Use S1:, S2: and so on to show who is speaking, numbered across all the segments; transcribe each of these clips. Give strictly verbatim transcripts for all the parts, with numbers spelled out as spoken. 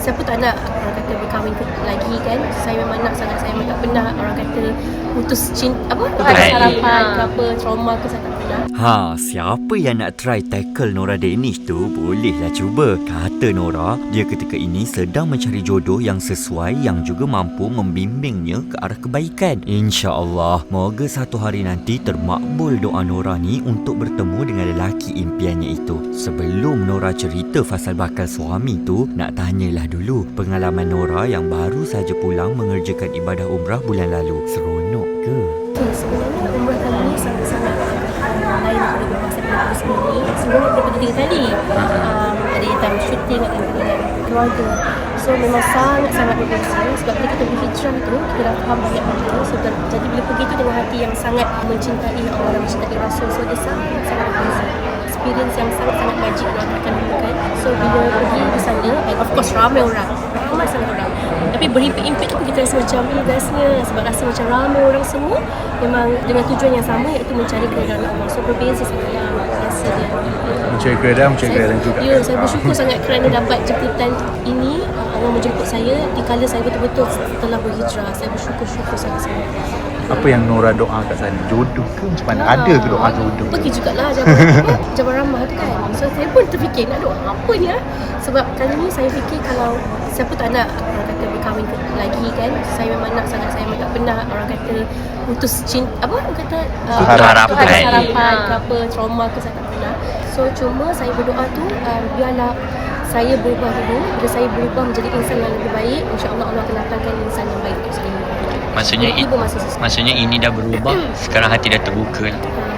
S1: siapa tak nak orang kata berkahwin lagi kan. Saya memang nak sangat, saya memang tak pernah orang kata putus cinta apa, ada harapan ke apa, trauma ke, saya tak pernah.
S2: Ha, siapa yang nak try tackle Nora Danish tu bolehlah cuba. Kata Nora, dia ketika ini sedang mencari jodoh yang sesuai, yang juga mampu membimbingnya ke arah kebaikan. InsyaAllah, moga satu hari nanti termakbul doa Nora ni untuk bertemu dengan lelaki impiannya itu. Sebelum Nora cerita pasal bakal suami tu, nak tanyalah dulu pengalaman Nora yang baru saja pulang mengerjakan ibadah umrah bulan lalu. Seronok ke?
S1: Okay, sebenarnya umrah kali ni sangat-sangat uh, lain daripada umrah saya pernah pergi sebelum ni. Sebelum ni pergi tiga kali. Um, ada yang time syuting, ada yang dengan keluarga. So memang sangat-sangat berbeza. Sebab bila kita berhijrah tu, kita dah faham banyak benda. So, jadi bila pergi tu dengan hati yang sangat mencintai Allah, mencintai Rasul. So dia sangat-sangat berbeza. Experience yang sangat-sangat magic orang akan lakukan. So bila pergi di sana, and of course ramai orang, ramai sangat orang, tapi berimpit-impit tu kita rasa macam ni bestnya, sebab rasa macam ramai orang semua memang dengan tujuan yang sama, iaitu mencari keredaan Allah. So berbeza sangat lah rasa dia.
S3: Mencari keredaan, mencari keredaan juga.
S1: Ya, saya bersyukur sangat kerana dapat jemputan ini. Allah menjemput saya di kala saya betul-betul setelah berhijrah. Saya bersyukur-syukur sangat-sangat.
S3: Apa yang Nora doa kat sana? Jodoh ke macam mana? Ada ke doa jodoh?
S1: Pergi jugalah Jabal Jabal Rahmah tu kan. So saya pun terfikir nak doa apa ni lah. Sebab kali ni saya fikir kalau siapa tak nak orang kata berkahwin lagi kan. Saya memang nak sangat, saya memang tak pernah orang kata putus cinta apa, orang kata uh,
S2: harapan.
S1: ada harapan ke apa, trauma ke, saya tak pernah. So cuma saya berdoa tu uh, biarlah saya berubah dulu. Bila saya berubah menjadi insan yang lebih baik, insya-Allah Allah akan datangkan insan yang baik untuk saya.
S4: Maksudnya i- maksudnya ini dah berubah. Sekarang hati dah terbuka.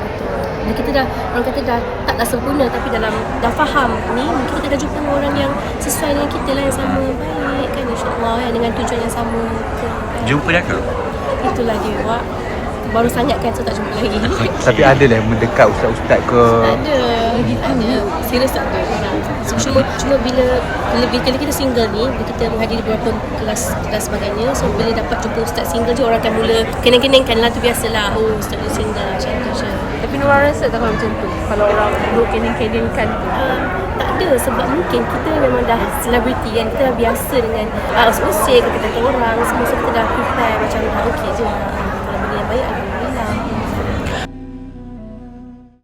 S1: Bila kita dah, orang kata dah taklah sempurna, tapi dalam dah faham ni, mungkin kita dah jumpa dengan orang yang sesuai dengan kita lah, yang sama baik kan, insyaAllah kan, dengan tujuan yang sama kan.
S4: Jumpa dah ke?
S1: Itulah dia Wak. Baru sangat kan, so tak jumpa lagi.
S3: Tapi ada lah yang mendekat ustaz-ustaz ke?
S1: Ada, ada. Serius tak ada. So, cuma, cuma bila, bila, bila kita single ni, bila kita menghadiri beberapa kelas dan sebagainya, so bila dapat jumpa ustaz single je, orang akan mula kenang-kenangkan lah, tu biasalah. Oh, ustaz dia single macam tu je.
S5: Tapi Nora rasa tak kalau macam tu? Kalau orang duduk kenang-kenangkan
S1: Uh, tak ada, sebab mungkin kita memang dah selebriti kan, kita dah biasa dengan uh, musik, kita kata orang semua, so kita dah prepare macam dah okey je lah. Kalau benda yang baik, alhamdulillah.